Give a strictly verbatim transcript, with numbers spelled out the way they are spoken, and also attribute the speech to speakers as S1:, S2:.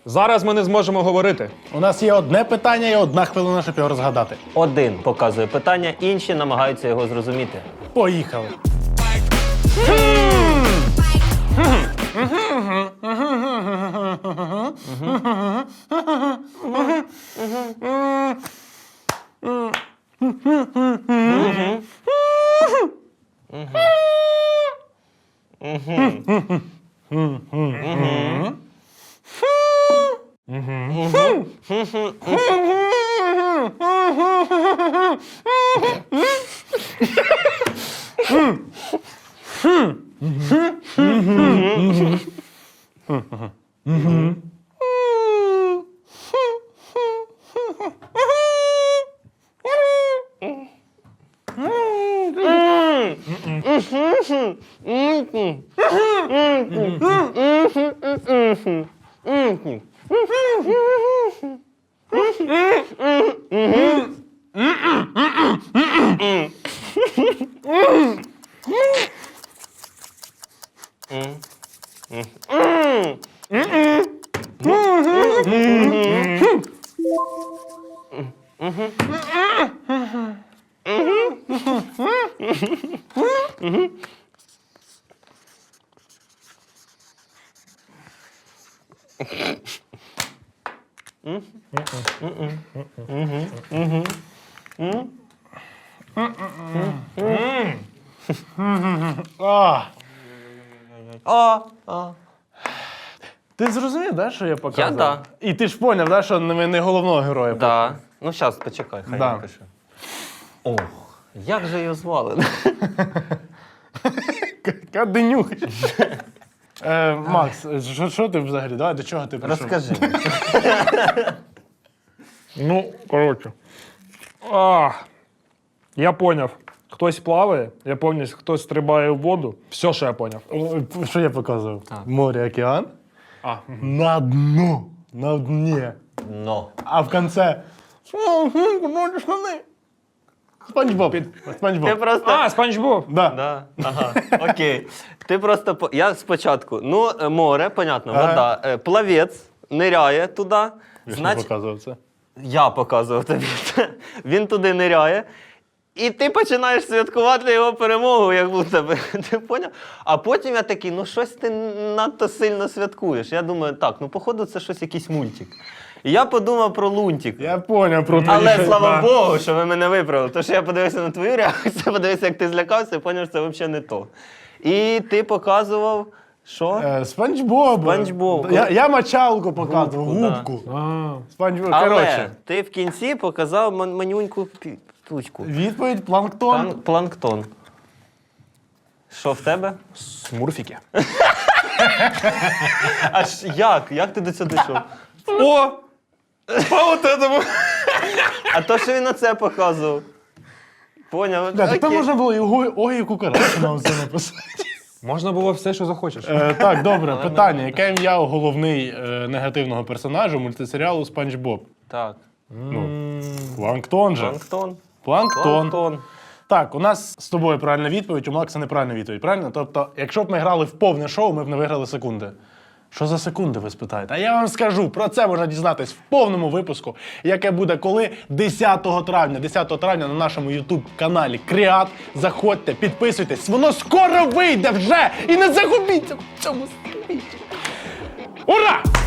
S1: Зараз ми не зможемо говорити.
S2: У нас є одне питання і одна хвилина, щоб його розгадати.
S3: Один показує питання, інші намагаються його зрозуміти.
S2: Поїхали. А.
S3: А, а.
S2: Ти зрозумів, да, що я показував?
S3: Я да.
S2: І ти ж поняв, да, що ми не головного героя.
S3: Да. Ну, зараз, почекай, хай
S2: Да.
S3: напише. Ох, як же його звали?
S2: Каденюк. Е, Макс, що, що ти взагалі? Давай, до чого ти прийшов?
S3: Розкажи.
S1: Ну, коротше. А, я поняв. Хтось плаває, я пам'ятаю, хтось стрибає в воду. Все, що я поняв.
S2: О, що я показував?
S3: Так.
S2: Море, океан.
S1: А,
S2: На дну. На дні.
S3: Но.
S2: А в конце... Спанч Боб. Спанч
S3: Ти
S2: Боб.
S3: просто...
S1: а Спанч Боб.
S2: Да.
S3: Да. Ага, окей. Ти просто... по- Я спочатку, ну, е, море, понятно,
S2: Ага.
S3: вода. Е, Плавець ниряє туди.
S2: Я ж не
S3: Значить,
S2: показував це.
S3: я показував тобі. Він туди ниряє. І ти починаєш святкувати його перемогу, як будто би. Ти поняв? А потім я такий, ну щось ти надто сильно святкуєш. Я думаю, так, ну походу це щось якийсь мультик. І я подумав про Лунтик.
S2: Я поняв про твої...
S3: Але слава
S2: Да.
S3: Богу, що ви мене виправили. Тому що я подивився на твою реакцію, подивився, як ти злякався, і зрозумів, що це взагалі не то. І ти показував, що?
S2: Е, Спанч Боб.
S3: Спанч Боб.
S2: Я, я мочалку показував,
S3: Губку, да.
S2: губку.
S1: А,
S2: Спанч Боб.
S3: Але
S2: Коротше,
S3: ти в кінці показав ман- манюньку пі- штучку.
S2: відповідь планктон.
S3: План- Планктон. Що в тебе?
S1: смурфіки.
S3: Аж як? Як ти до цього дійшов?
S1: О! По вот этому!
S3: А то, що він на це показував. Поняв?
S2: Да, так там
S3: Окей.
S2: можна було і ого- ой, і кукарачу нам це написати.
S1: Можна було все, що захочеш.
S2: Е, так, добре, питання. Яке ім'я у головний е, негативного персонажа мультисеріалу Спанч Боб?
S3: Так.
S2: Ну, Планктон же.
S3: Планктон.
S2: Планктон.
S3: Планктон.
S2: Так, у нас з тобою правильна відповідь, у Макса неправильна відповідь, правильно? Тобто, якщо б ми грали в повне шоу, ми б не виграли секунди. Що за секунди, ви спитаєте? А я вам скажу, про це можна дізнатись в повному випуску, яке буде коли? десятого травня. десятого травня на нашому ютуб-каналі Кріат. Заходьте, підписуйтесь, воно скоро вийде вже! І не загубіться в цьому світі! Ура!